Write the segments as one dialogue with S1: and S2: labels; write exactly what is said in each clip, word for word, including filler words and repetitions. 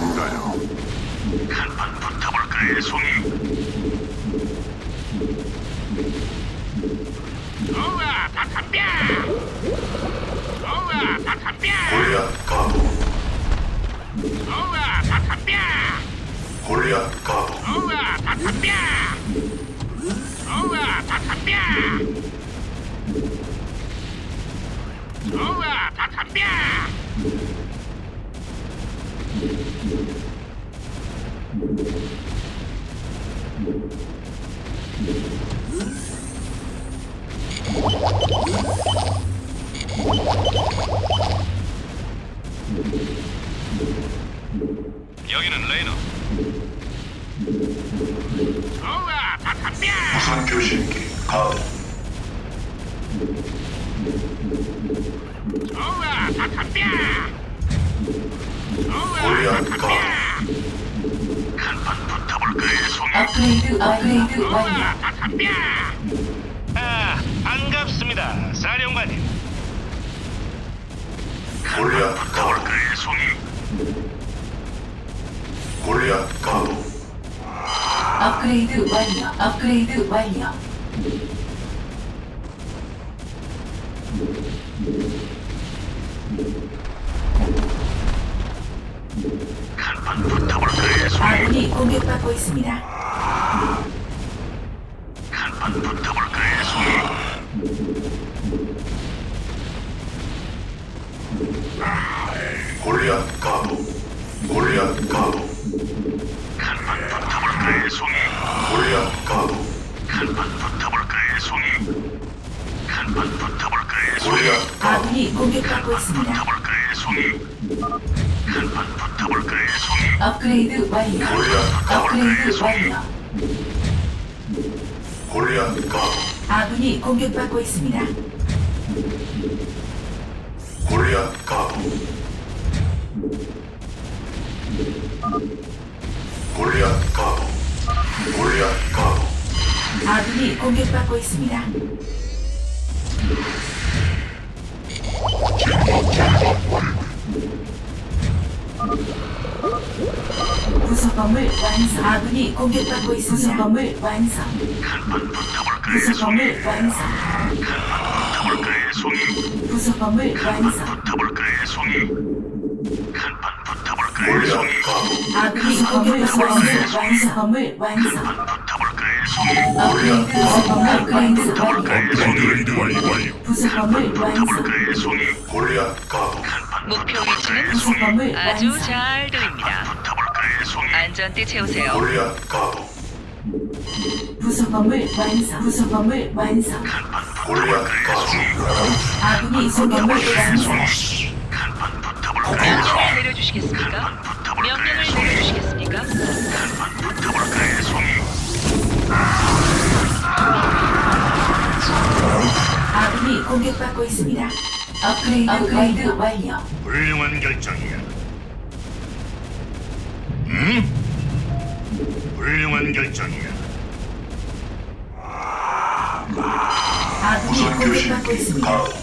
S1: 있으신가요?
S2: 한판 붙어볼까요, 송이? 우와, 다 덤벼! 우와, 다 덤벼!
S3: 골리앗 가도
S2: 우와, 다 덤벼!
S3: 골리앗 가도
S2: 우와, 다 덤벼! 우와, 다 덤벼! 우와, 다 덤벼!
S4: 여기는 레이너.
S2: 우와, 다 덤벼!
S3: 무선 교신기 가도
S2: 우와, 다 덤벼! 우와,
S3: 골리앗
S2: 다
S3: 가도
S2: 덤벼! 한판 붙어볼까요, 송이?
S5: 업그레이드 업그레이드 완료.
S2: 우와, 다 덤벼!
S4: 아, 반갑습니다, 사령관님.
S3: 골리앗 가도
S2: 붙어볼까요, 송이?
S3: 골리앗 가도
S5: 업그레이드 완료. 업그레이드 완료.
S2: 한판 붙어볼까요, 송이?
S5: 아군이 공격받고 있습니다.
S2: 한판 붙어볼까요, 송이?
S3: 골리앗 가도 골리앗 가도
S2: 한판 붙어볼까요, 송이?
S3: 골리앗 가도
S2: 한판 붙어볼까요, 송이? 한판 붙어볼까요, 송이?
S3: 골리앗 가도
S5: 아군이 공격받고 있습니다.
S2: 붙어볼까요, 송이? 한판 붙어볼까요, 송이?
S5: 업그레이드 완료.
S3: 골리앗 가도
S5: 업그레이드 완료.
S3: 골리앗 가도
S5: 아군이 공격받고 있습니다.
S3: 골리앗 가도 골리앗 가도 골리앗 가도
S5: 아군이 공격받고 있습니다. 부속건물 완성. 아군이 공격받고 있습니다. 부속건물 완성.
S2: 한판 붙어볼까요, 송이?
S5: 부속건물 완성.
S2: 붙어볼까요, 송이?
S5: 부속건물 완성.
S2: 붙어볼까요, 송이? 한판 붙어볼까요, 송이?
S3: 골리앗 가도
S5: 아군이 공격받고 있습니다. 완성건물 완성.
S2: 붙어볼까요, 송이?
S5: 업그레이드 부속건물 업그레이드 완료.
S1: 업그레이드 완료 완료.
S5: 부속건물 완성.
S2: 붙어볼까요, 송이?
S3: 골리앗 가도
S6: 목표 위치는
S5: 부속건물
S6: 아주
S5: 완성.
S6: 잘 들립니다.
S2: 붙어볼까요, 송이?
S6: 안전띠 채우세요.
S3: 골리앗 가도
S5: 부속건물 완성. 부속건물 완성.
S3: 골리앗 가도
S5: 아군이 공격을 완성.
S2: 한판 붙어볼까요,
S6: 명령을 내려주시겠습니까? 명령을 내려주시겠습니까?
S2: 붙어볼까요, 송이?
S5: 아군이 공격받고 있습니다. 업그레이드 업그레이드 완료.
S4: 훌륭한 결정이야. 응? 훌륭한 결정이야.
S5: 아군이
S3: 무선
S5: 공격받고
S3: 교신기
S5: 있습니다.
S3: 가도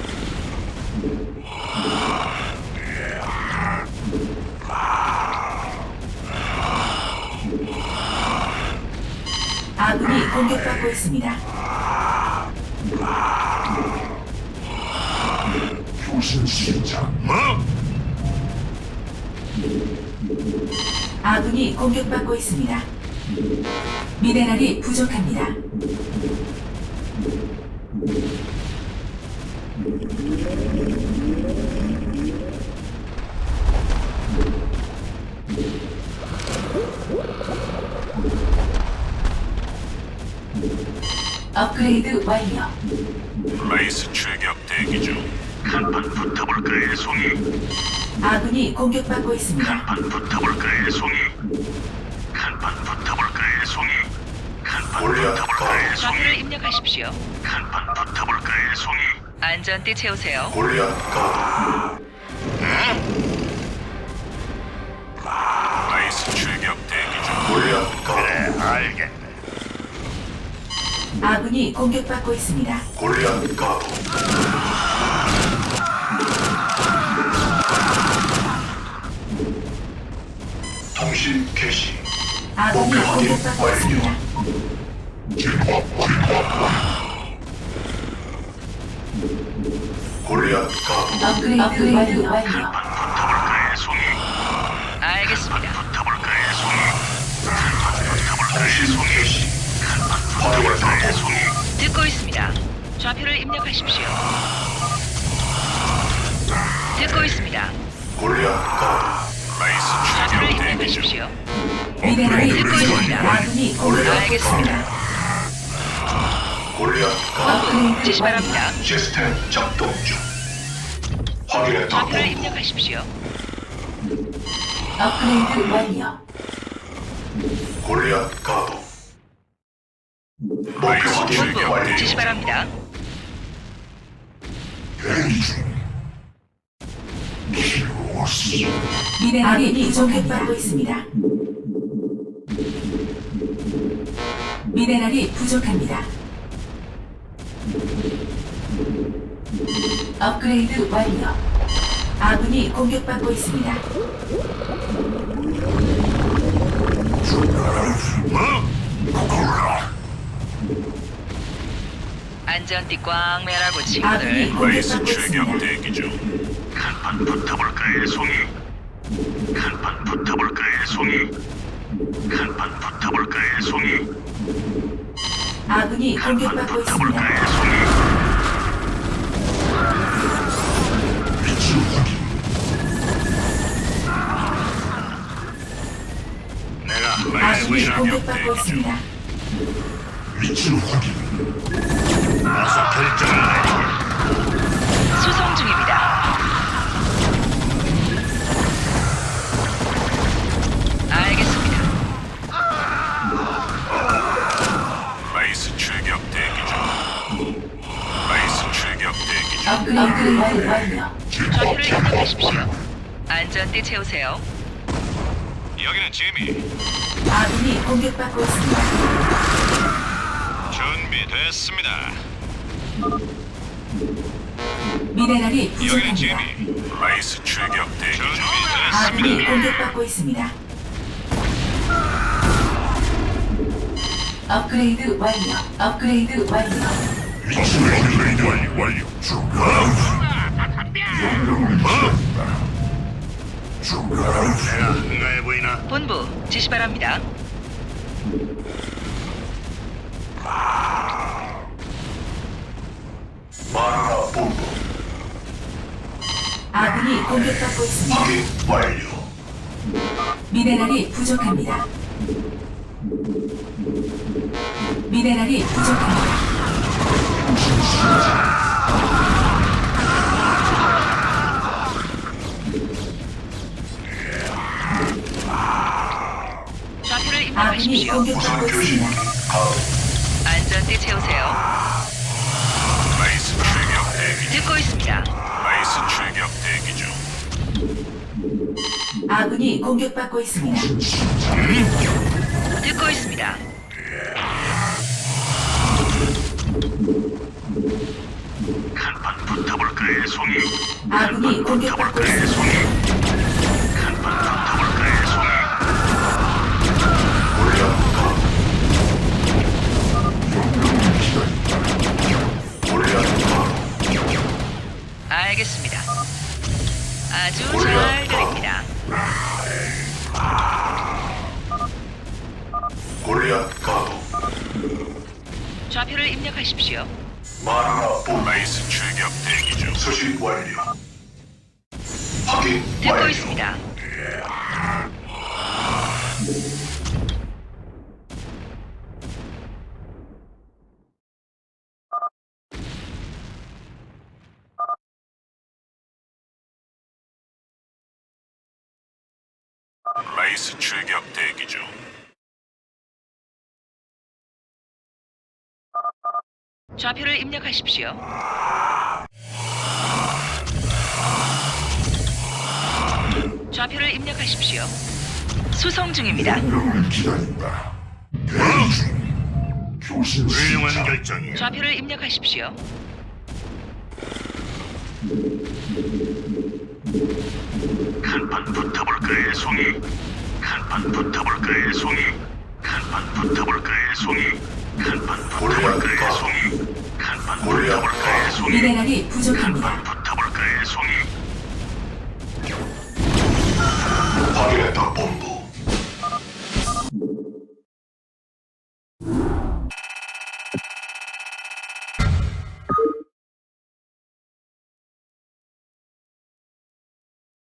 S5: 아군이 공격받고 있습니다.
S1: 교신 시작.
S4: 뭐?
S5: 아군이 공격받고 있습니다. 미네랄이 부족합니다. 업그레이드 완료.
S1: 레이스 출격 대기 중.
S2: 한판 붙어볼까요, 송이?
S5: 아군이 공격받고 있습니다.
S2: 한판 붙어볼까요, 송이? 한판 붙어볼까요, 송이? 한판
S3: 골리앗
S2: 붙어볼까요,
S3: 가도
S2: 송이?
S6: 좌표를 입력하십시오.
S2: 한판 붙어볼까요, 송이?
S6: 안전띠 채우세요.
S3: 골리앗 가도
S1: 레이스 출격 대기 중.
S3: 골리앗 가도
S4: 그래, 알겠네.
S5: 아군이 공격받고 있습니다.
S3: 골리앗 가도 통신 개시.
S5: 아군이
S3: 목표 확인
S5: 공격받고
S3: 완료.
S5: 있습니다.
S3: 골리앗 가도
S5: 업그레이드, 업그레이드 완료.
S2: 붙어볼까의 송이.
S6: 알겠습니다.
S2: 붙어볼까의 송이. 붙어볼까의
S3: 통신
S2: 송이.
S3: 개시. 화력을
S2: 붙어볼까의
S3: 가도
S2: 송이.
S6: 듣고 있습니다. 좌표를 입력하십시오. 듣고 있습니다.
S3: 골리앗 가도
S1: 라이스
S6: 좌표를
S1: 출격 대기 중.
S6: 입력하십시오.
S5: 미네랄이
S6: 듣고 있습니다.
S5: 부족합니다. 아군이 공격받고
S6: 알겠습니다.
S5: 있습니다.
S3: 골리앗 가도
S5: 업그레이드
S6: 지시
S5: 완료.
S6: 바랍니다.
S3: 시스템 작동 중. 확인했다.
S6: 좌표를 입력하십시오.
S5: 업그레이드 완료.
S3: 골리앗 가도 목표
S1: 라이스
S3: 확인
S1: 출격
S3: 완료.
S1: 대기
S6: 지시
S1: 중.
S6: 바랍니다.
S5: 미네랄이 부족합받고 있습니다. 미네랄이 부족합니다. 업그레이드 완료. 아군이 공격받고 있습니다.
S6: 안전띠 꽉 매라고
S5: 아군이
S6: 친구들.
S1: 라이스
S5: 공격받고
S1: 출격
S5: 있습니다.
S1: 대기 중.
S2: 간판 붙어볼까의 송이. 간판 붙어볼까의 송이. 간판 붙어볼까의 송이.
S5: 아군이
S2: 간판
S5: 공격받고 있습니다.
S2: 붙어볼까의 송이.
S4: 내가
S1: 라이스
S5: 아군이
S1: 출격
S5: 공격받고
S1: 대기 중.
S5: 있습니다.
S4: 어서 결정을 내리게.
S6: 수송 중입니다. 알겠습니다.
S1: 라이스 출격 대기 중. 라이스 출격 대기 중.
S5: 업그레이드 완- 완료.
S6: 좌표를 입력하십시오. 안전띠 채우세요.
S2: 여기는 지미.
S5: 아군이 공격받고 있습니다.
S2: 준비됐습니다.
S5: 미네랄이
S2: 여기는
S5: 부족합니다.
S2: 지미.
S1: 라이스 출격 대기 중.
S5: 아군이
S2: 준비됐습니다.
S5: 공격받고 있습니다. 업그레이드 완료. 업그레이드 완료.
S1: 업그레이드 완료 완료.
S4: 내가 한가해 보이나?
S6: 본부 지시 바랍니다.
S3: 마누라 본부
S5: 아군이 공격받고 있습니다.
S3: 확인 완료.
S5: 미네랄이 부족합니다. 미네랄이 부족합니다.
S6: 좌표를
S5: 아군이
S6: 입력하십시오.
S5: 공격받고
S3: 우선 교신
S5: 있습니다.
S3: 가도
S6: 안전띠 채우세요.
S1: 라이스 출격 대기 중.
S6: 듣고 있습니다.
S1: 라이스 출격 대기 중.
S5: 아군이 공격받고 있습니다.
S6: 듣고 있습니다.
S2: 간판 붙어볼까의 송이.
S5: 아군이 공격받고
S2: 붙어볼까의
S5: 있습니다.
S2: 송이. 간판 붙어볼까의 송이.
S3: 골리앗 가도 골리앗 가도
S6: 알겠습니다. 아주 잘 들립니다.
S3: 골리앗 가도
S6: 좌표를 입력하십시오.
S3: 마누라 본부
S1: 라이스 출격 대기 중.
S3: 수신 완료. 확인
S6: 듣고
S3: 완료.
S6: 있습니다.
S1: 라이스 출격 대기 중.
S6: 좌표를 입력하십시오. 좌표를 입력하십시오. 수송 중입니다.
S4: 훌륭한 결정이야.
S6: 좌표를 입력하십시오.
S2: 간판 붙어볼까의 송이. 간판 한판 붙어볼까의 송이. 한판 붙어볼까의 송이. 한판 붙어볼까의 송이. 한판 붙어볼까의 송이.
S5: 미네랄이 부족합니다.
S2: 한판